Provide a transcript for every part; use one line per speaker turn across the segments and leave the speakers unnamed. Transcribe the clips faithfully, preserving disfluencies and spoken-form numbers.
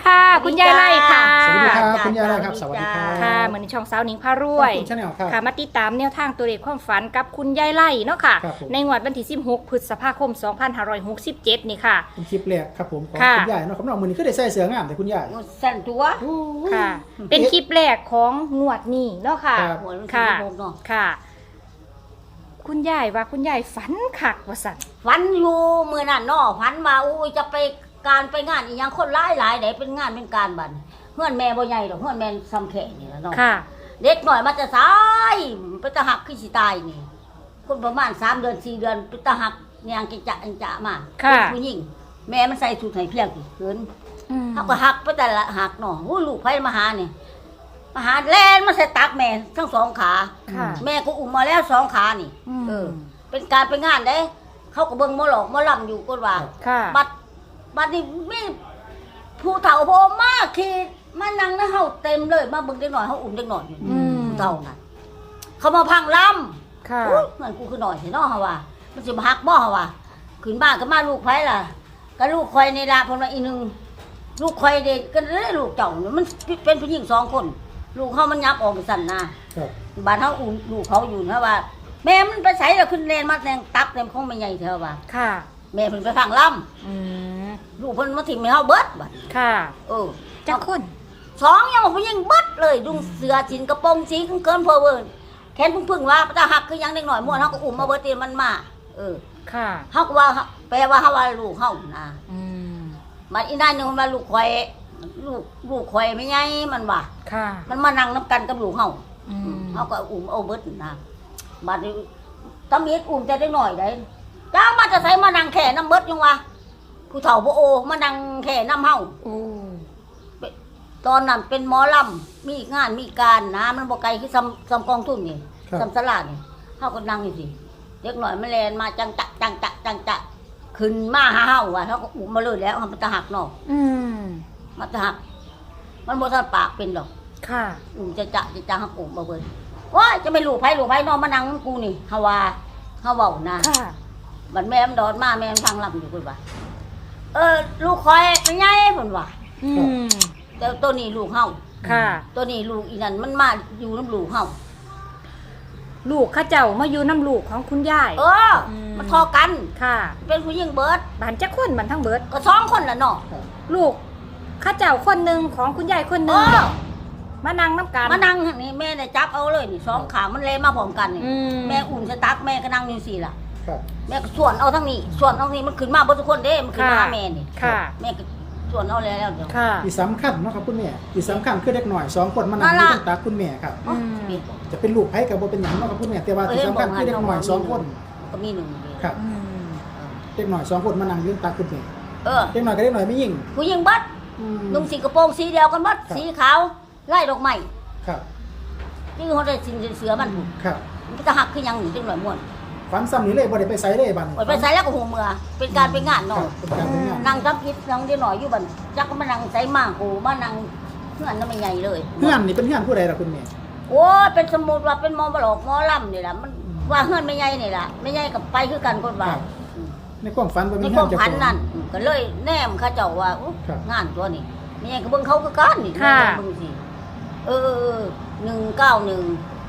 ค่ะคุณยายไล่ค่ะ
สวัสดีครับคุณยายไล่ครับสวัสดีครับ
ค่ะเหมือนในช่องสาวหนิงพารวย
คุณชาแนลครับ
ค่ะมาติดตามแนวทางตัวเลขความฝันกับคุณยายไล่เนาะค่ะในงวดวันที่สิบหกพฤษภาคมสองพันห้าร้อยหกสิบเจ็ดนี่ค่ะ
เป็นคลิปแรกครับผมของ
ค่ะ
คุณยายเนาะครับน้องมือนี้ก็ได้ใส่เสื้องามแต่คุณยาย
สั่นตัว
โอ้ย
ค่ะ เป็นคลิปแรกของงวดนี้เนาะค่ะ
ครับ
หัวมัน
ค่ะ
สิบหกเนาะ
ค่ะ คุณยายว่าคุณยายฝันคักว่าสั่น
ฝันอยู่มื้อนั้นเนาะฝันว่าอู้ยจะไปการไปงานอีหยังคนหลายหลายได้เป็นงานเป็นการบัดเฮือนแม่บ่ใหญ่ดอกเฮือนแม่ซ้ำแค่นี่ล่ะเนาะ
ค่ะ
เด็กหน่อยมาจะตายไปตะหักคือสิตายนี่คนประมาณสามเดือนสี่เดือนไปตะหักยางกิจะอันจะมา
ค่ะ
เป็นผู้หญิงแม่มันใส่ชุดไห้เพียงเกิน
อืม
เขาก็หักไปแต่ละหักเนาะอู้ลูกไผมาหานี่มาหาแล่นมาใส่ตักแม่ทั้งสองขา
ค่ะ
แม่ก็อุ้มมาแล้วสองขานี่
อืม
เออ เป็นการไปงานเด้ เขาก็เบิ่งหมอหลอกหมอลำอยู่ก็ว่า
ค่ะ
บัดบัดนี้มีผู้เฒ่าโพมากขี่มานั่งในเฮาเต็มเลย มาเบิ่งเด็กหน่อยเฮาอุ้มเด็กหน่อยอยู่
อืม
ผู้เฒ่านั่นเขามาพังลำ
ค่ะ
อุ๊ยมันกูคือหน่อยสิเนาะเฮาว่า มันสิมาฮักบ่เฮาว่าขึ้นบ้านก็มาลูกไผล่ะก็ลูกข่อยนี่ล่ะเพิ่นว่าอีหนึงลูกข่อยเด็กก็เลยลูกเจ้านี่มันเป็นผู้หญิงสองคน ลูกเฮามันยับออกไปสั่นนะครับ บ้านเฮาอุ้มลูกเขาอยู่นะว่า แม่มันไปใส่แล้วขึ้นเลนมาแทงตักเต็มของแม่ใหญ่เธอว่า
ค่ะ
แม่เพิ่นไปพังลำ
อืม
ลูกเพิ่นมาถิ่มให้เฮาเบิดบัด
ค่ะ
เออ
จักคน
สองยังบอกว่ายังเบิดเลยดุงเสือจินกระโปรงสีเกินเพอเวิร์นแขนพึ่งๆว่าตาหักคือยังเด็กหน่อยม่วนเฮาก็อุ้มมาเบิดตีมันมาเออ
ค่ะ
เฮาก็ว่าแปลว่าเฮาว่าลูกเฮานะ
อืม
มันอีนั่นนึงมันว่าลูกข่อยลูกลูกข่อยไม่ใหญ่มันว่า
ค่ะ
มันมานั่งนํกันกับลูกเฮา
อืม
เฮาก็อุ้มเอาเบิดนะบัดนี้ตำมีดอุ้มแต่เด็กหน่อยได้จ้ามาจะใส่มานั่งแค่น้ำเบิดยังวะผู้เฒ่าบ่โอมานั่งแค่น้ำเฮา
โอ้
ตอนนั้นเป็นหมอลำมีงานมีการนะมันบอกไกลคือซ้ำซ้ำกองทุนนี่
ครับ
ซ้ำสลาดนี่เขาก็นั่งอยู่สิเด็กหน่อยมันแลนมาจังจะจังจะจังจะขึ้นมาหาเฮาว่ะเขาก็อุ้มมาเลยแล้วมันจะหักเนาะ
อืม
มันจะหัก มันบ่ทันปากเป็นดอก
ค่ะ
อุ้มจะจะจะจะหักอุ้มมาเบิ่นโอ้ยจะไม่ลูกไผลูกไผนอนมานั่งกูนี่เฮาว่าเฮาเว้านะ
ค่ะ
บัดแม่มันดอนมาแม่มันฟังลำอยู่เพิ่นว่าเออลูกคอยเป็นไงเพิ่นว่า
อืม
แต่ตัวนี้ลูกเฮา
ค่ะ
ตัวนี้ลูกอีนั่นมันมาอยู่น้ำลูกเฮา
ลูกเข้าเจ้ามาอยู่น้ำลูกของคุณยาย
เออ
ม
มันทอกัน
ค่ะ
เป็นผู้หญิงเบิด
บ้านจักคนมันทั้งเบิด
ก็สองคนละเนาะ
ลูกเข้าเจ้าคนหนึ่งของคุณยายคนห
เอ
นึ่ง
อ
มานั่งน้ำกัน
มานั่งนี่แม่เนี่ยจับเอาเลยนี่สองขามันเลยมาพร้อมกันนี่
อืม
แม่อุ่นสตักแม่ก็นั่งอยู่สี่ล่ะ
ครับ
แม่ก็ส่วนเอาทั้งนี้ ส่วนเอาทั้งนี้มันขึ้นมาเบิดทุกคนเด้ มันขึ้นมาหาแม่นี่
ค่ะ
แม่ก็ส่วนเอาแล้วเดี๋ยว
ค่ะ
ที่สำคัญเนาะครับคุณแม่ที่สำคัญคือเด็กหน่อยสองคนมานั่ง
นั่น
ที่
ล่ะ
ตั้งตาคุณแม่ครับ
อืม
เปลี่ยนบอก
จะเป็นลูกไผกับบ่เป็นหยังเนาะครับคุณแม่แต่ว่าที่สำคัญคือเด็กหน่อยสองคน
ก็มีหนึ่งเดียว
ครับ
อืม
เด็กหน่อยสองคนมานั่งอยู่ตั้งตาคุณแม่
เออ
เด็กหน่อยกับเด็กหน่อยไม่ยิ่ง
ผู้หญิงเบิด
อืม
นุ่งสีกระโปรงสีเดียวกันเบิดสีขาวไล่ดอกไม้
ครับ
นี่เขาได้สินเสือมัน
ครับ
มันก็จะหักขึ้นยังหนึ่งจังหน่อยม่วน
ฝันซ้ำนี่เลยบ่ได้ไปไสเลยบัดนี้
อดไปใส่แล้วก็หูเมือเป็นการเป็นงาน
ครั
เนาะ
บเป็นการเป็นงาน
นั่งทับพิษนั่งได้หน่อยอยู่บันจักก็มานั่งใส่มากหูมานั่งเพื่อนนั่นไม่ใหญ่เลย
เพื่อนนี่เป็นเพื่อนผู้ใดล่ะคุณแม่
โอ้ยเป็นสมุดว่าเป็นหมอมาหลอกหมอลำนี่แหละมันว่าเพื่อนไม่ใหญ่นี่แหละไม่ใหญ่กับไปคือกันคนว่า
ครับ ในความฝันบ่
ใน
มี
ความ
เจ้า
พัน
ของ
นั่นก็เลยแนมเข้าเจ้าว่าอุ๊ย
ครับ
งานตัวนี้ไม่ใหญ่กับเบิ่งเขาคือกันนี่
ค่ะ
เบิ่งสิเออเออเออหนึ่งเก้าหนึ่ง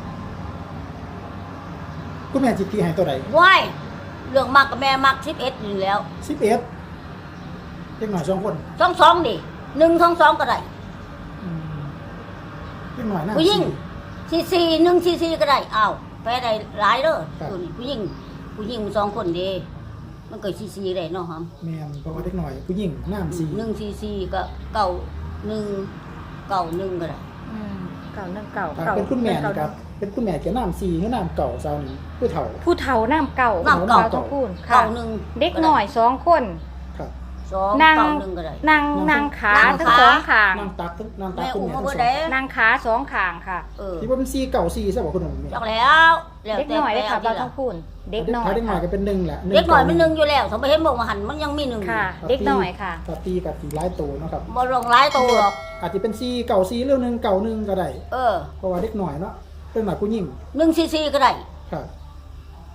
คุณแม่จิตตีให้ตัวใด
ว้ายเรื่องมากกับแม่มากสิบเอ็ดอยู่แล้ว
สิบเอ็ดเด็กหน่อยสองคน
สองสองดิหนึ่งสองสองก็ได้
อืมเด็กหน่อยน่า
ผู้หญิง
สี่
ซีซีหนึ่งซีซีก็ได้อ้าวแพ้ได้หลายเด้อ
ครับ
ตัวนี้ผู้หญิงผู้หญิงสองคนเดีมันเกิดซีซีได้เนาะครับ
แม่นเพราะว่าเด็กหน่อยผู้หญิงน้ำสี่
หนึ่งซีซีก็เก่าหนึ่งเก่าหนึ่งก็ได้
อืมเก่านั่งเก่า
ถ้า
เก่า
เป็นคุณแม่
ก่า
นี่ครับ เป็นคุณแม่เกี่ยวน้ำสี่หรือน้ำเก่าเจ้านี่ผู้เฒ่า
ผู้เฒ่าน้ำเก่า
น้ำเก่า
ต้องพูดค่ะ
เก่าหนึ่ง
เด็กหน่อยสองคน
ครับ
สอง
นั่ง
เก่าหนึ่งก็ได้
นั่งนั่งขา
นั่ง
ทั้ง
ขา
สองขาง
น้ำตักทั้งน้ำตัก
แม่
คุณ
อุ้ม
แม่
มา
ทั้ง
เบิ
ส
ด
อง
เด้
นั่งขาสองขางค่ะ
เออ
ที่ว่าเป็นสี่เก่าสี่ใช่ป่ะคุณหนุ่มเนี่ย
จักแล้วแล้ว
เด็ก
แต่
หน่อยเลยค่ะ
แปล
เรา
ที่
ต้องพูดเด็กหน่อย
ถ้าเด็กหน่อยก็
ค่ะ
เป็นหนึ่งแหละ
เด็กหน่อยมันหนึ่งอยู่แล้วสมมติเห็นบอกว่าหันมันยังมีหนึ่ง
ค่ะ เด็กหน่อยค่ะ
กับตีกับตีร้ายโตเนาะครับ
บ่ลงร้ายตัวหรอก
อาจจะเป็นสี่เก่าสี่เรื่องหนึ่งเก่าหนึ่งก็ได้
เออ
เพราะว่าเด็กหน่อยเนาะเป็นหน่อยผู้หญิง
หนึ่งซีซีก็ได้
ครับ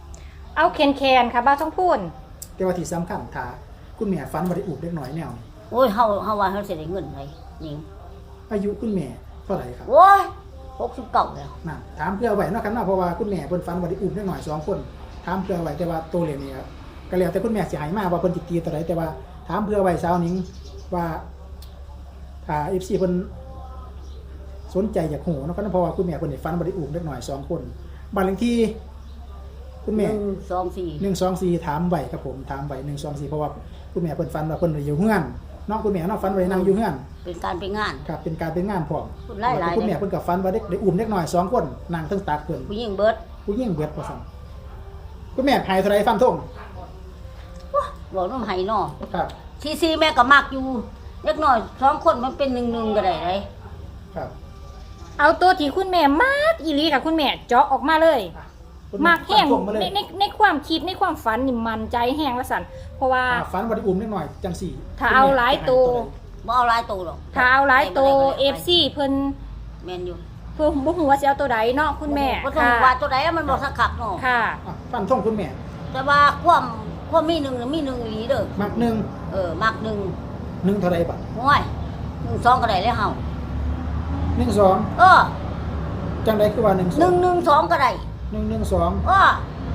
เอาแคนแคนค่ะบ้าต้องพูด
แต่ว่าที่สำคัญถ้าคุณแม่ฝันว่าได้อุบเด็กหน่อยแนวนี่
โอ้ยเฮาเฮาว่าเฮาสิได้เงินไดยิง
อายุคุณแม่เท่าไหร่ครับ
โอ้ยหกสิบเก้าแล้ว
น่ะถามเพื่อไว้เนาะครับเนาะเพราะว่าคุณแม่เพิ่นฝันว่าได้อุ้มเล็กน้อยสองคนถามเพื่อไว้แต่ว่าตัวเลขนี่ครับก็แล้วแต่คุณแม่สิให้มาว่าเพิ่นสิตีตัวใดแต่ว่าถามเพื่อไว้สาวหนิงว่าถ้า เอฟ ซี เพิ่นสนใจอยากฮู้เนาะครับเพราะว่าคุณแม่เพิ่นได้ฝันว่าได้อุ้มเล็กน้อยสองคนบ้านเลขที่คุณแม่
หนึ่งสองสี่
หนึ่งสองสี่ถามไว้ครับผมถามไว้หนึ่งสองสี่เพราะว่าคุณแม่เพิ่นฝันว่าเพิ่นอยู่เฮือนน้องคุณแม่เนาะฝันว่าได้นั่งอยู่เฮือน
เป็นการเป็นงาน
ครับเป็นการเป็นงานพร้อม
คุณหลายหลาย
คุณแม่เพิ่นก็ฝันว่าได้ได้อุ้มเล็กน้อยสองคนนั่งทั้งตักเพิ่น
ผู้หญิงเบิด
ผู้หญิงเบิดว่าซั่นคุณแม่หายเท่าไรฟันธง
ว้าบอกน้ำไห้เนาะ
ครับ
ซีซีแม่ก็มักอยู่เล็กน้อยสองคนมันเป็นหนึ่งหนึ่งก็ได้เลย
ครับ
เอาตัวที่คุณแม่มากอีหลีค่ะคุณแม่เจาะออกมาเลย
คุณ
มากแห้ง
ฟันธมาเล
ใน
ย
ในในความคิดในความฝันนี่มันใจแห้งละสันเพราะว่า
อ่าฝันว่าได้อุ้มเล็กน้อยจังสี่
ถ้าเอาหลายตัว
บ่เอาหลายตัวหรอก
ถ้าเอาหลายตัว เอฟ ซี เพิ่น
แม่นอยู่
เพิ่นบ่ฮู้ว่าสิเอาตัวใดเนาะคุณแม่
บ่ต้อง
ค่ะ
ว่าตัวใดมันบ่สักขับเนาะ
ค่ะ
อ่ะฟันธงคุณแม่
แต่ว่าความความมีหนึ่งน่ะมีหนึ่งอีหลีเด้อ
มักหนึ่ง
เออมักหนึ่ง
หนึ่งเท่าไรบาท
โอ้ยหนึ่งสองก็ได้เลยเฮา
หนึ่งสอง
เออ
จังไดคือว่าหนึ่งส
ห
อ
นึ่
ง
งหนึ่งสองก็ได้
หนึ่งหนึ่งสอง
เออ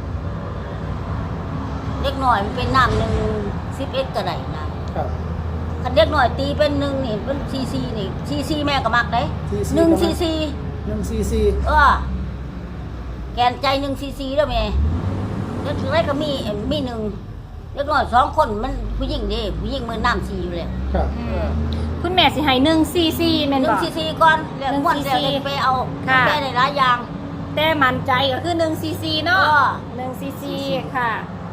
เล็กน้อยมันเป็นน้ำหนึ่งสิบเอ็ดก็ได้นะครับ คันเล็กน้อยตีเป็นหนึ่งนี่เป็นซีซีนี่ซีซีแม่ก็มักได้
ซีซี
หนึ่ง
ก็มัก
ซีซี
หนึ่งสี่สี่
เออแกนใจหนึ่งซีซีแล้วแม่แล้วถึงไรก็มีเอ่อมีหนึ่งเล็กน้อยสองคนมันผู้หญิงเดิผู้หญิงมือน้ำซีอยู่เลย
ครับ
อืมคุณแม่สิให้หนึ่งซีซีแม่น
หนึ่
บ่
งซีซีก่อนแล้ว
หนึ่ง
ม้วนแล้ว
ซีซี
จะไปเอา
ค่ะ
ไปในหลายอย่าง
แต่มั่นใจก็คือหนึ่งซีซีเนาะ
เออ
หนึ่งซีซีค่ะ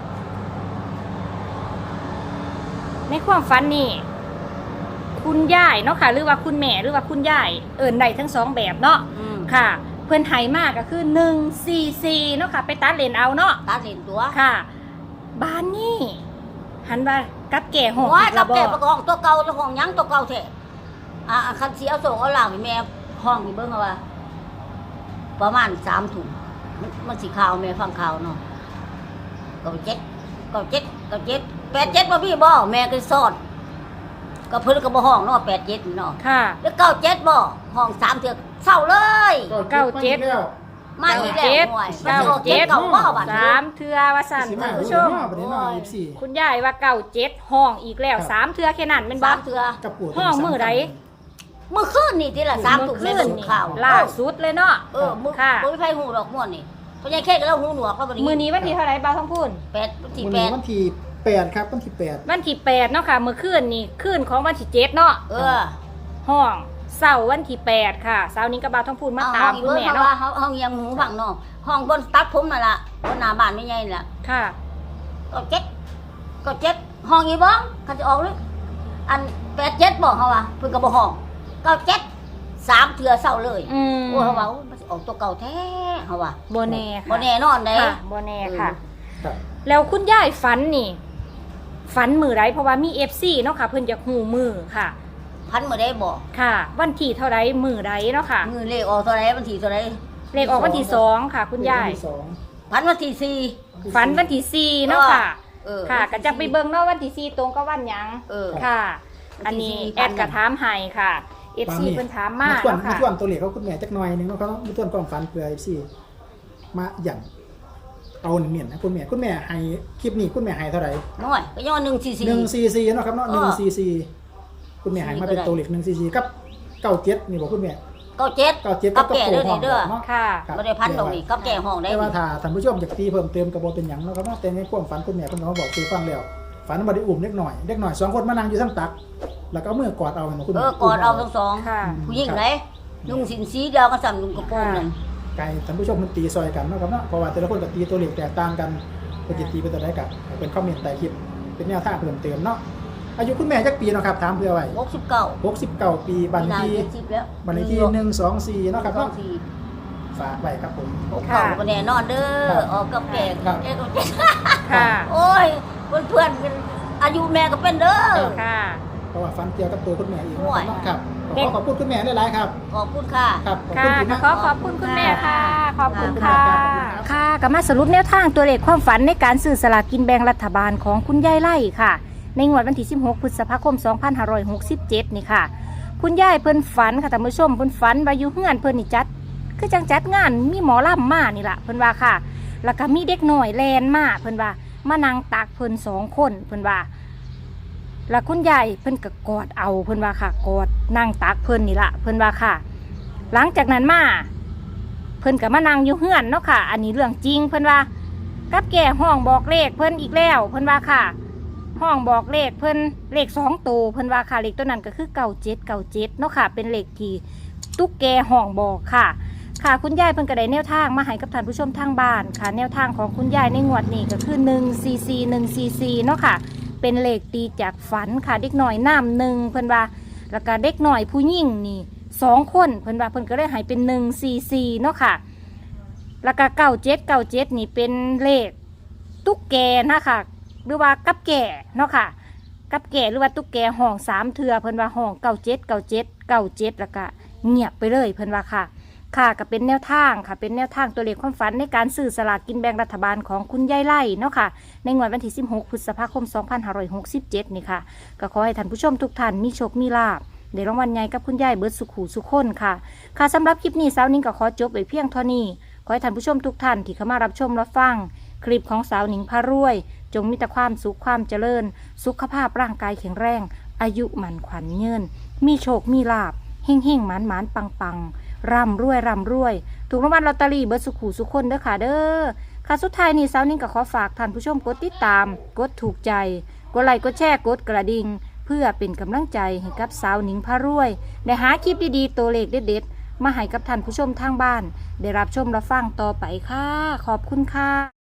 ในความฝันนี่คุณยายเนาะค่ะ หรือว่าคุณแม่หรือว่าคุณยายเอิ้นได้ทั้งสองแบบเนาะ
อืม
ค่ะ เพิ่นให้มากก็คือหนึ่งซีซีเนาะค่ะ ไปตัดเลนเอาเนาะ
ตาเห็นตัว
ค่ะ บ้านนี่หันว่ากับแก่ห้อง
ว่า
อีก
กั
แล้
บ
วบ่
แก่ประกองตัวเก่าตัวของหยังตัวเก่าแท้อ่าคันสีเอาส่งเอาหลังให้แม่ห้องนี่เบิ่งเอาว่า ประมาณสามถุงมันมันสีขาวแม่ฟังข่าวเนาะเก้าเจ็ดเก้าเจ็ดเก้าเจ็ดแปดเจ็ดบ่พี่บ่แม่ก็ซ่อนก็เพิ่นก็บ่ห้องเนาะแปดเจ็ดนี่เนาะ
ค่ะ
แล้วเก้าเจ็ดบ่ห้องสามเถือกเศร้าเลย
เก้าเจ็ด
แล้ว
มาอีกแล้ว
เจ็ด
หน่วย
เก้า
มันสิออก
เจ็ด
เก้าบ่บัด
สามเทือว่าสั่น
สิ
คุ
มา
ณ
ผู้
ผู้
ช
ช
ม
ม
ประเด็นน้อยยี่สิบสี่
คุณยายว่าเก้าเจ็ดห้องอีกแล้ว
ครับ
สามเทือแค่นั้นเป็นบ้า
สามเถือ
กับปู่
ห้องมื้อใด
เมื่อคืนนี่ที่ละสามถุง
เมื่
แม่
อคืน
ส่ง
นี่
ข่าว
ล่าสุดเลยเนาะ
เออมื้อ
ค่ะ
บ่มีไผฮู้ดอกม่วนนี่เพราะยายแค่ก็เล่าหูหนวกแล้วบัดนี้
มือนี้วันที่เท่าไหร่บ้าวท้องพูน
แปดวันที่
วัน
แป
นี้
ด
วันที่แปดครับวันที่แปด
วันที่แปดเนาะค่ะเมื่อคืนนี่คืนของวันที่เจ็ดเนาะ
เออ
ห้องเสาร์วันที่แปดค่ะเสาร์นี้ก็บ้าวท้องพูนมา
เอา
ตา
ห้อ
ม
งอี
คุณ
เบิ่ง
แม่
เขา
เนาะ
ว่าเขาห้องยังหูฟังเนาะห้องบนตัดผมนั่นล่ะบนหน้าบ้านไม่ใหญ่ล่ะ
ค่ะ
ก็เจ็ดก็เจ็ดห้องอีเบิ่งเขาจะออกหรืออันแปดเจ็ดบอกเขาว่าเพิ่นก็บ่ห้องเก้าเจ็ดสามเทื่อเศร้าเลย
อืม
โอ้เขาว่าโอ้มันสิออกตัวเก่าแท้เขาว่า
โบแน่ค่ะ
บ่แน่นอนเด้
ค่ะโบแน่ค่ะ
ครับ
แล้วคุณยายฝันนี่ฝันมือไรเพราะว่ามีเอฟซีเนาะค่ะ เพิ่นจะหูมือค่ะ
พันมื้อใดบอก
ค่ะ วันที่เท่าไรมือไรเนาะค่ะ
มือเลขออกเท่าไหร่วันที่เท่าไหร่
เลขออกวันที่สองค่ะ คุณยาย
วันที่สอง
พันวันที่สี่
ฝันวันที่สี่เนาะค่ะ
เออ
ค่ะก็จะไปเบิ่งเนาะวันที่สี่ตรงกับวันหยัง
เออ
ค่ะ อันนี้แอดกระถามให้ค่ะเอฟซีเพิ่นถามมา
ส่วน
เนาะ
มา
ค่ะ
ส่วนตัวเลขเขาคุณแม่จักหน่อยหนึงเนาะเขามีส่วนความฝันเพื่อ เอฟ ซี มาอย่างเอาเนียนๆนะคุณแม่คุณแม่ให้คลิปนี้คุณแม่ให้เท่าไหร่
น้อยก็ย้อนหนึ่งสี่สี่
หนึ่งซีซีเนาะครับเนาะหนึ่งซีซีคุณแม่ให้มาเป็นตัวเลขหนึ่งซีซีกับเก้าเจ็ดนี่บอกคุณแม่
เก้าเจ็ด
เก้าเจ็ด
กั
กั
บบ แก่เด้อนี่เด้อ
เนาะ
ค่ะ
ครับ
บ่ได้พันตรงนี้กับแก่ห้องได้
แต่ว่าถ้าท่านผู้ชมอยากตีเพิ่มเติมกระบอกเป็นหยังเนาะครับเนาะแต่ในความฝันคุณแม่คุณน้องบอกคือฟังแล้วฝันว่าได้อุ้มเล็กหน่อยเล็กหน่อยสองคนมานั่งอยู่ทั้งตัก แล้วก็เอามือกอดเอาเนาะคุณ
เอ
แม่
อกอดเอาทั้งสอง
ค่ะ
ผู้หญิงไหนลุงสินสีเดียวกันสั่นลุงกระโปรงนั่น
ไก่ท่านผู้ชมมันตีซอยกันเนาะครับเนาะเพราะว่าแต่ละคนก็ตีตัวเลขแตกต่างกันเป็นจิตตีเป็นตัวใดกับเป็นคอมเมนต์ใต้คลิปเป็นแนวทางเพิ่มเติมเนาะอายุคุณแม่จักปีเนาะครับถามเพื่อไว้
หกสิบเก้า
หกสิบเก้าปีบัน
มีนา
ที
เจ็ดสิบแล้ว
บันทีหนึ่งสองสี่เนาะครับ
สอ
เนาะ
งสี่
ฝากไว้ครับผม
หกเก้าก็แน่นอนเด้
ครั
อบ ออกกับแก่
ครับ
แก่กับเจ็ด
ค่ะ
โอ้ยเพื่อนๆกันอายุแม่ก็เป็นเด้อ
ค่ะ
เพราะว่าฟันเกี่ยวกับตัวคุณแม่อีก
โอ้ย
เนาะครับ
เด็
ขอก ขอบคุณคุณแม่ได้หลายครับ
ขอบคุณค่ะ
ครับขอบ
ค่ะ
คุณที่
ก็
มา
ขอขอบคุณคุณแม่ค่ะ ขอบคุณ
ขอบคุณ
ค่ะ
ครับ
ค่ะก็มาสรุปแนวทางตัวเลขความฝันในการซื้อสลากกินแบ่งรัฐบาลของคุณยายไล่ค่ะในงวดวันที่สิบหกพฤษภาคมสองพันห้าร้อยหกสิบเจ็ดนี่ค่ะคุณยายเพิ่นฝันค่ะท่านผู้ชมเพิ่นฝันว่าอยู่เฮือนเพิ่นนี่จัดคือจังจัดงานมีหมอลำมานี่ล่ะเพิ่นว่าค่ะแล้วก็มีเด็กน้อยแลนมาเพิ่นว่ามานั่งตักเพิ่นสองคนเพิ่นว่าแล้วคุณยายเพิ่นก็กอดเอาเพิ่นว่าค่ะกอดนั่งตักเพิ่นนี่ล่ะเพิ่นว่าค่ะ หลังจากนั้นมาเพิ่นก็มานั่งอยู่เฮือนเนาะค่ะอันนี้เรื่องจริงเพิ่นว่ากับแก่ห้องบอกเลขเพิ่นอีกแล้วเพิ่นว่าค่ะห้องบอกเลขเพิ่นเลขสองตัวเพิ่นว่าค่ะเลขตัวนั้นก็คือเก้าเจ็ดเก้าเจ็ดเนาะค่ะเป็นเลขที่ตุ๊กแกห้องบอกค่ะค่ะคุณยายเพิ่นก็ได้แนวทางมาให้กับท่านผู้ชมทางบ้านค่ะแนวทางของคุณยายในงวดนี้ก็คือหนึ่งซีซีหนึ่งซีซีเนาะค่ะเป็นเลขตีจากฝันค่ะเด็กหน่อยน้ำหนึ่งเพิ่นว่าแล้วก็เด็กหน่อยผู้หญิงนี่สองคนเพิ่นว่าเพิ่นก็เลยให้เป็นหนึ่งซีซีเนาะค่ะแล้วก็เก้าเจ็ดเก้าเจ็ดนี่เป็นเลขตุ๊กแกนะคะหรือว่ากับแก่เนาะค่ะกับแก่หรือว่าตุ๊กแกห้องสามเทือเพิ่นว่าห้องเก้าเจ็ดเก้าเจ็ดเก้าเจ็ดแล้วก็เงียบไปเลยเพิ่นว่าค่ะค่ะก็เป็นแนวทางค่ะเป็นแนวทางตัวเลขความฝันในการซื้อสลากกินแบ่งรัฐบาลของคุณยายไล่เนาะค่ะในงวดวันที่สิบหกพฤษภาคมสองพันห้าร้อยหกสิบเจ็ดนี่ค่ะก็ขอให้ท่านผู้ชมทุกท่านมีโชคมีลาภเดี๋ยวรางวัลใหญ่กับคุณยายเบิร์ดสุขหูสุขคนค่ะค่ะสำหรับคลิปนี้สาวนิ้งก็ขอจบไว้เพียงเท่านี้ขอให้ท่านผู้ชมทุกท่านที่เข้ามารับชมรับฟังคลิปของสาวนิ้งพารวยจงมีแต่ความสุขความเจริญสุขภาพร่างกายแข็งแรงอายุหมันขวัญเงินมีโชคมีลาภเฮ่งเฮ่งหมานหมานปังปังร่ำรวยร่ำรวยถูกรางวัลลอตเตอรี่เบิร์ดสุขหูสุขคนเด้อค่ะเด้อค่ะสุดท้ายนี้สาวนิ้งก็ขอฝากท่านผู้ชมกดติดตามกดถูกใจกดไลค์กดแชร์กดกระดิ่งเพื่อเป็นกำลังใจให้กับสาวหนิงพารวยได้หาคลิปดีๆตัวเลขเด็ดๆมาให้กับท่านผู้ชมทางบ้านได้รับชมรับฟังต่อไปค่ะขอบคุณค่ะ